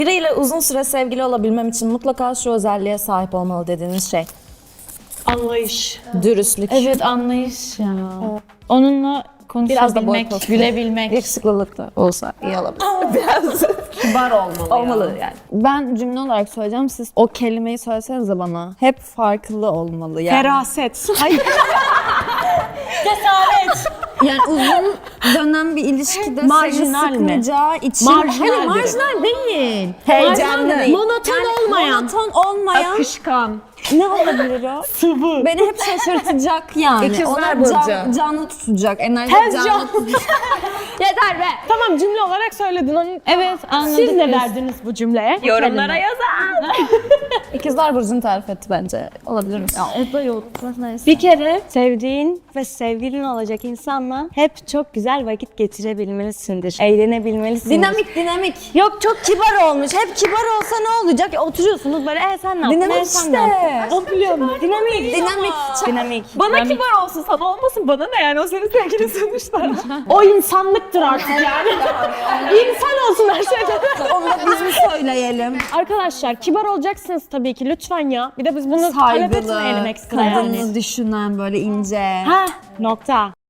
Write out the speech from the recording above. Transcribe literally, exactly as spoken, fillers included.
Biriyle uzun süre sevgili olabilmem için mutlaka şu özelliğe sahip olmalı dediğiniz şey. Anlayış. Dürüstlük. Evet, anlayış ya. Onunla Biraz da boy konuşabilmek, postu. gülebilmek. Yakışıklılık da olsa iyi olabilir. Biraz Kibar olmalı, olmalı yani. Ben cümle olarak söyleyeceğim. Siz o kelimeyi söylesenize bana. Hep farklı olmalı yani. Feraset. Yani uzun dönem bir ilişkide Marjinal seni mi? sıkmayacağı için... Marjinal Hayır, derim. marjinal değil. Heyecanlı değil. Monoton olmayan. Monoton olmayan Akışkan. ne olabilir o? Sıvı. Beni hep şaşırtacak yani. İkizler Ona burcu. can, canlı tutacak. Enerji Tez canlı can. tutacak. Yeter be. Tamam, cümle olarak söyledin onu. Evet, anladık. Siz ne verdiniz bu cümleye? Yorumlara yazın. İkizler Burcu'nu tarif etti bence. Olabilir mi? O da yok. Neyse. Bir kere sevdiğin ve sevgilin olacak insanla hep çok güzel vakit geçirebilmelisindir. Eğlenebilmelisindir. Dinamik dinamik. Yok, çok kibar olmuş. Hep kibar olsa ne olacak? Ya, oturuyorsunuz böyle, e sen ne yaptın? Dinamik E, sen ne yaptın? işte. Dinamik. Dinamik. Dinamik. Bana kibar olsun, sana olmasın, bana ne yani, o senin sevgilin sonuçta. O insanlıktır artık yani. İnsan olsun her şeyden. Onu da biz mi söyleyelim? Arkadaşlar, kibar olacaksınız tabii ki, lütfen ya. Bir de biz bunu talep etmeyelim Saygılı, ekstra yani. kadını düşünen böyle ince. Ha, nokta.